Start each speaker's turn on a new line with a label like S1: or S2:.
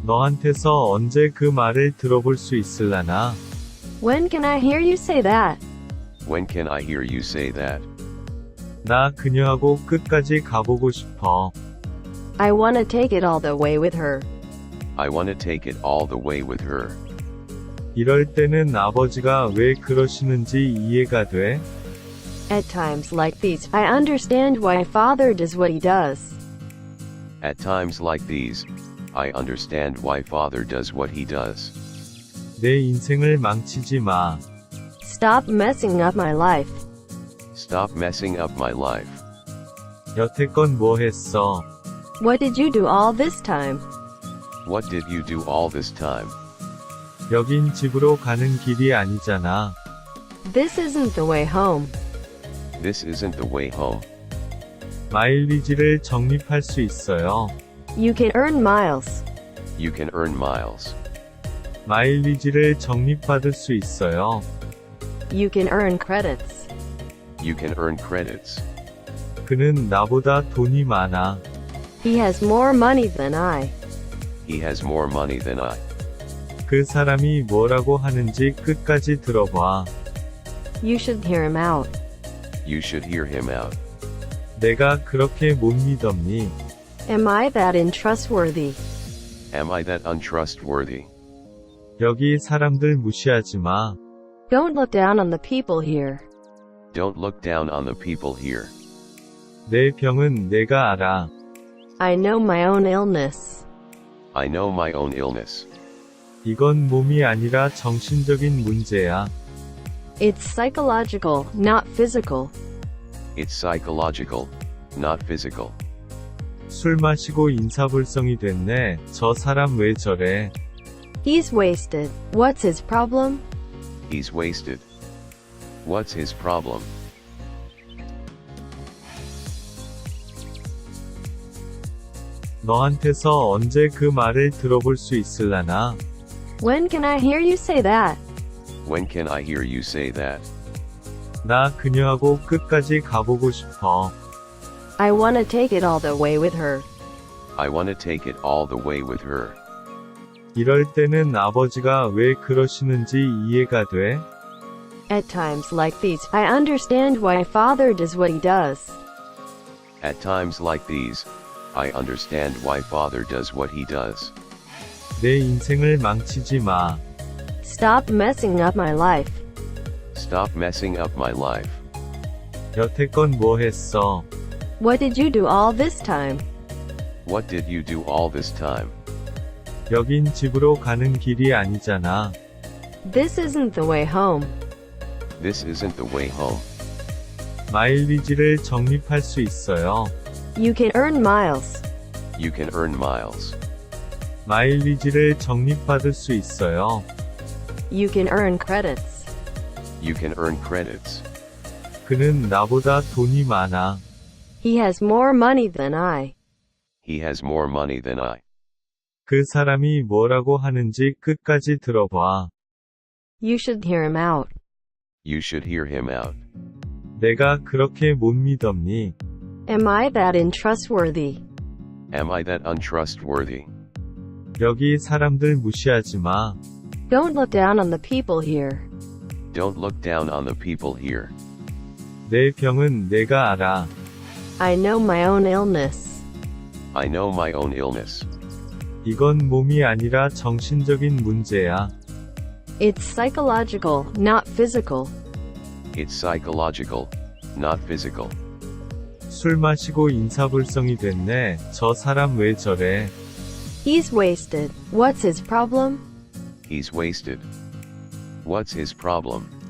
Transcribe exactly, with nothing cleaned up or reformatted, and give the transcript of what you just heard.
S1: 너한테서 언제 그 말을 들어볼 수 있을라나?
S2: When can I hear you say that?
S3: When can I hear you say that?
S1: 나 그녀하고 끝까지 가보고 싶어.
S2: I wanna take it all the way with her.
S3: I want to take it all the way with her.
S1: 이럴 때는 아버지가 왜 그러시는지 이해가 돼?
S2: At times like these, I understand why father does what he does.
S3: At times like these, I understand why father does what he does.
S1: 내 인생을 망치지 마.
S2: Stop messing up my life.
S3: Stop messing up my life.
S1: 여태껏 뭐 했어?
S2: What did you do all this time?
S3: What did you do all this time?
S1: 여긴 집으로 가는 길이 아니잖아.
S2: This isn't the way home.
S3: This isn't the way home.
S1: 마일리지를 적립할 수 있어요.
S2: You can earn miles.
S3: You can earn miles.
S1: 마일리지를 적립받을 수 있어요.
S2: You can earn credits.
S3: You can earn credits.
S1: 그는 나보다 돈이 많아.
S2: He has more money than I.
S3: He has more money than I.
S1: 그 사람이 뭐라고 하는지 끝까지 들어봐.
S2: You should hear him out.
S3: You should hear him out.
S1: 내가 그렇게 못 믿었니?
S2: Am I that untrustworthy?
S3: Am I that untrustworthy?
S1: 여기 사람들 무시하지 마.
S2: Don't look down on the people here.
S3: Don't look down on the people here.
S1: 내 병은 내가 알아.
S2: I know my own illness.
S3: I know my own illness.
S1: 이건 몸이 아니라 정신적인 문제야.
S2: It's psychological, not physical.
S3: It's psychological, not physical.
S1: 술 마시고 인사불성이 됐네. 저 사람 왜 저래?
S2: He's wasted. What's his problem?
S3: He's wasted. What's his problem?
S1: 너한테서 언제 그 말을 들어볼 수 있을라나?
S2: When can I hear you say that?
S3: When can I hear you say that?
S1: 나 그녀하고 끝까지 가보고 싶어.
S2: I wanna take it all the way with her.
S3: I want to take it all the way with her.
S1: 이럴 때는 아버지가 왜 그러시는지 이해가 돼?
S2: At times like these, I understand why father does what he does.
S3: At times like these, I understand why father does what he does.
S1: 내 인생을 망치지 마.
S2: Stop messing up my life.
S3: Stop messing up my life.
S1: 여태껏 뭐 했어?
S2: What did you do all this time?
S3: What did you do all this time?
S1: 여긴 집으로 가는 길이 아니잖아.
S2: This isn't the way home.
S3: This isn't the way home.
S1: 마일리지를 적립할 수 있어요.
S2: You can earn miles.
S3: You can earn miles.
S1: 마일리지를 적립받을 수 있어요.
S2: You can earn credits.
S3: You can earn credits.
S1: 그는 나보다 돈이 많아.
S2: He has more money than I.
S3: He has more money than I.
S1: 그 사람이 뭐라고 하는지 끝까지 들어봐.
S2: You should hear him out.
S3: You should hear him out.
S1: 내가 그렇게 못 믿었니?
S2: Am I that untrustworthy?
S3: Am I that untrustworthy?
S1: 여기 사람들 무시하지 마.
S2: Don't look down on the people here.
S3: Don't look down on the people here.
S1: 내 병은 내가 알아.
S2: I know my own illness.
S3: I know my own illness.
S1: 이건 몸이 아니라 정신적인 문제야.
S2: It's psychological, not physical.
S3: It's psychological, not physical.
S1: 술 마시고 인사불성이 됐네. 저 사람 왜 저래?
S2: He's wasted. What's his problem?
S3: He's wasted. What's his problem?